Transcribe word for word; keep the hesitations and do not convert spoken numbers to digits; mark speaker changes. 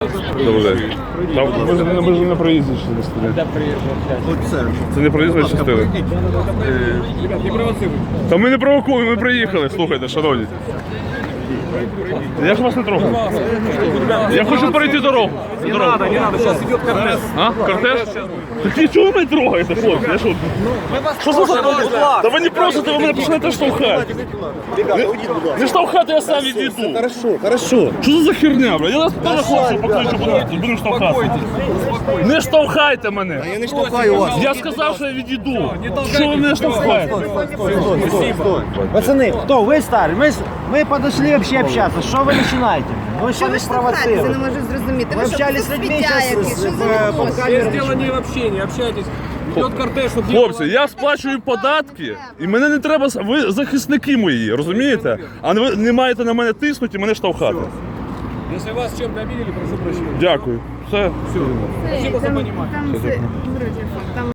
Speaker 1: Добрий день. Там, ми, ж, ми ж не на проїзді частини. Це не проїзна частина. Та ми не провокуємо, ми приїхали, слухайте, шановні. Я ж вас не трогаю. Я хочу перейти дорогу.
Speaker 2: Не надо, не надо, сейчас идет кортеж.
Speaker 1: А? Кортеж? Так і чого ви мене трогаєте, хлопці? Я що? Що за закон? Та ви не просите, ви мене почнете штовхати. Не, не штовхати, я сам відійду.
Speaker 3: Хорошо, хорошо.
Speaker 1: Що це за херня, бля? Я нас теж хлопців покличу, будемо будем штовхати. Не штовхайте мене.
Speaker 3: Я не штовхаю вас.
Speaker 1: Я сказав, що я відійду. Що ви мене штовхаєте?
Speaker 3: Пацаны, кто? Вы стали? Мы, с- мы подошли вообще общаться. Что вы начинаете? Вы
Speaker 4: Що
Speaker 3: что
Speaker 4: ви
Speaker 3: не
Speaker 4: штовхаєтеся, не
Speaker 3: спровоцировали?
Speaker 4: можу зрозуміти.
Speaker 3: Ми
Speaker 4: Ви що,
Speaker 3: общались з
Speaker 4: тут
Speaker 3: людьми,
Speaker 4: сміття
Speaker 3: щас
Speaker 4: якісь?
Speaker 3: з-
Speaker 4: Що
Speaker 3: в-
Speaker 4: за
Speaker 3: по
Speaker 4: відносини?
Speaker 3: камері.
Speaker 2: Есть дело не в общении, общайтесь. Идет кортеж, чтобы
Speaker 1: Хлопці, я сплачую податки, і мене не треба, ви захисники мої, розумієте? А ви не маєте на мене тиснути і мене штовхати.
Speaker 2: Если вас чем-то обидели, прошу прощения.
Speaker 1: Дякую. Все.
Speaker 2: Спасибо за понимание.
Speaker 4: Там, це, вроді, там